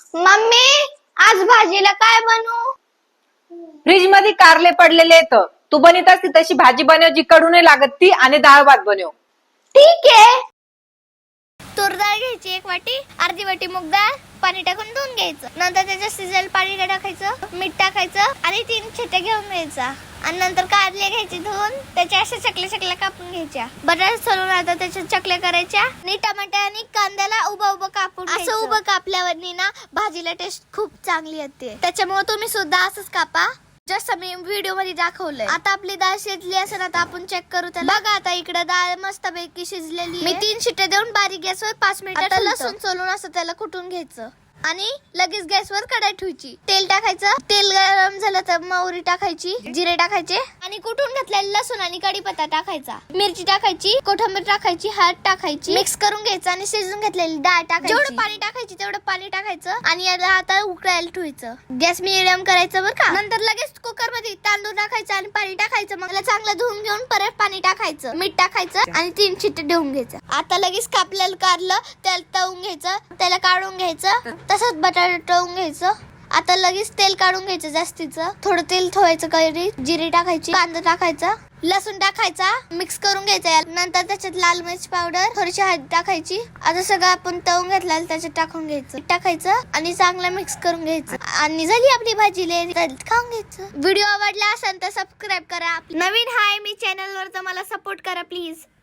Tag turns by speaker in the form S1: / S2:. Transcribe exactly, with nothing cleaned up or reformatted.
S1: Mummy आज भाजीला काय बनवू?
S2: फ्रीज मध्ये कारले पडलेले आहेत. तू बनवत असती तशी भाजी बनव जी कडू नाही लागत ती, आणि डाळ भात बनव.
S1: ठीक आहे. तूर डाळ घ्यायची एक वाटी, अर्धी वाटी मूग डाळ पाणी टाकून धुवून घ्यायचं. नंतर त्याच्यात शिजायला पाणी टाकायचं, मीठ टाकायचं आणि तीन छिट्ट्या घेऊन घ्यायचा. आणि नंतर कारले घ्यायचे धुवून, त्याच्या अशा चकल्या चकल्या कापून घ्यायच्या. बटाटे सोलून आता त्याच्या चकल्या करायच्या आणि टमाटर आणि कांद्याला उभं उभं कापून असं उभं कापल्यावर ना भाजीला टेस्ट खूप चांगली येते. त्याच्यामुळे तुम्ही सुद्धा असंच कापा जसं मी व्हिडिओ मध्ये दाखवलंय. आता आपली डाळ शिजली असेल, आता आपण चेक करू त्याला. बघा आता इकडे डाळ मस्त पैकी शिजलेली. मी तीन शिट्ट्या देऊन बारीक गॅसवर पाच मिनिटं लसूण सोलून असं त्याला कुटून घ्यायचं आणि लगेच गॅसवर कढई ठेवायची. तेल टाकायचं. तेल गरम झालं तर मोहरी टाकायची, जिरे टाकायचे आणि कुटून घेतलेला लसूण आणि कढीपत्ता टाकायचा. मिरची टाकायची, कोथिंबीर टाकायची, हळद टाकायची, मिक्स करून घ्यायचं आणि शिजून घेतलेली डाळ टाकायची. जेवढं पाणी टाकायची तेवढं पाणी टाकायचं आणि याला आता उकळायला ठेवायचं. गॅस मिडियम करायचं बरं का. नंतर लगेच कुकर मध्ये तांदूळ टाकायचं आणि पाणी टाकायचं. मग चांगलं धुवून घेऊन परत पाणी टाकायचं, मीठ टाकायचं आणि तीन शिट्टे देऊन घ्यायचं. आता लगेच कापलेलं कारलं त्याला तळून घ्यायचं, त्याला काढून घ्यायचं. तसंच बटाटा तळून घ्यायचं. आता लगेच तेल काढून घ्यायचं जास्तीचं. थोडं तेल ठेवायचं, कढई जिरे टाकायची, कांदा टाकायचा, लसूण टाकायचा, मिक्स करून घ्यायचा. नंतर त्याच्यात लाल मिरची पावडर, थोडीशी हळद टाकायची. आता सगळं आपण तळून घेतलं त्याच्यात टाकून घ्यायचं, टाकायचं आणि चांगलं मिक्स करून घ्यायचं. आणि झाली आपली भाजी, खाऊन घ्यायचं. व्हिडिओ आवडला असेल तर सबस्क्राईब करा. नवीन हाय मी चॅनल वर, तर मला सपोर्ट करा प्लीज.